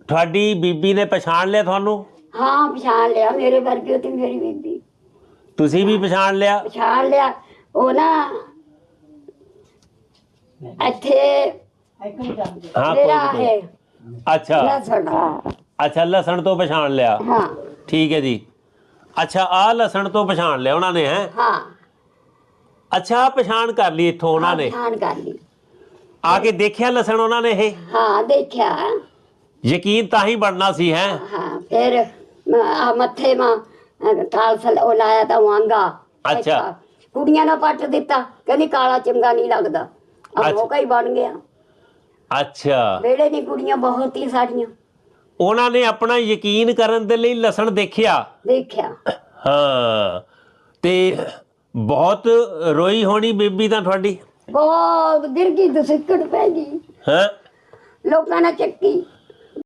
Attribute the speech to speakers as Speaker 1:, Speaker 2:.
Speaker 1: ਤੁਹਾਡੀ ਬੀਬੀ ਨੇ ਪਛਾਣ ਲਿਆ ਤੁਹਾਨੂੰ?
Speaker 2: ਹਾਂ ਪਛਾਣ ਲਿਆ, ਮੇਰੇ ਵਰਗੀ ਉਹ ਤੇ ਮੇਰੀ ਬੀਬੀ।
Speaker 1: ਤੁਸੀਂ ਵੀ ਪਛਾਣ ਲਿਆ?
Speaker 2: ਪਛਾਣ ਲਿਆ। ਉਹ ਨਾ ਇੱਥੇ
Speaker 1: ਹਾਂ
Speaker 2: ਮੇਰਾ
Speaker 1: ਕੋਈ
Speaker 2: ਹੈ
Speaker 1: ਅੱਛਾ
Speaker 2: ਲਸਣ।
Speaker 1: ਅੱਛਾ ਲਸਣ ਤੋਂ ਪਛਾਣ ਲਿਆ।
Speaker 2: ਹਾਂ
Speaker 1: ਠੀਕ ਹੈ ਜੀ। ਅੱਛਾ ਆਹ ਲਸਣ ਤੋਂ ਪਛਾਣ ਲਿਆ ਉਹਨਾਂ ਨੇ ਹੈ?
Speaker 2: ਹਾਂ
Speaker 1: ਅੱਛਾ ਆਹ ਪਛਾਣ ਕਰ ਲਈ ਇੱਥੋਂ ਉਹਨਾਂ ਨੇ?
Speaker 2: ਪਛਾਣ ਕਰ ਲਈ।
Speaker 1: ਆ ਕੇ ਦੇਖਿਆ ਲਸਣ ਉਹਨਾਂ ਨੇ ਇਹ?
Speaker 2: ਹਾਂ ਦੇਖਿਆ।
Speaker 1: ਯਕੀਨ ਤਾਂ ਹੀ ਬਣਨਾ ਸੀ ਹੈ?
Speaker 2: ਹਾਂ ਫਿਰ ਮੱਥੇ ਮਾ ਕਾਲਸ ਉਹ ਲਾਇਆ ਤਾਂ ਵਾਂਗਾ।
Speaker 1: ਅੱਛਾ
Speaker 2: ਕੁੜੀਆਂ ਨੇ ਪੱਟ ਦਿੱਤਾ, ਕਹਿੰਦੀ ਕਾਲਾ ਚੰਗਾ ਨਹੀਂ ਲੱਗਦਾ। ਆ ਮੌਕਾ ਹੀ ਬਣ ਗਿਆ।
Speaker 1: ਅੱਛਾ
Speaker 2: ਵੇੜੇ ਦੀ ਕੁੜੀਆਂ ਬਹੁਤ ਹੀ ਸਾਡੀਆਂ।
Speaker 1: ਉਹਨਾਂ ਨੇ ਆਪਣਾ ਯਕੀਨ ਕਰਨ ਦੇ ਲਈ ਲਸਣ ਦੇਖਿਆ?
Speaker 2: ਦੇਖਿਆ।
Speaker 1: ਹਾਂ ਤੇ ਬਹੁਤ ਰੋਈ ਹੋਣੀ ਬੀਬੀ ਤਾਂ ਤੁਹਾਡੀ?
Speaker 2: ਬਹੁਤ ਗਿਰ ਗਈ, ਦਸਿੱਕੜ ਪੈ ਗਈ।
Speaker 1: ਹੈ
Speaker 2: ਲੋਕਾਂ ਨੇ ਚੱਕੀ।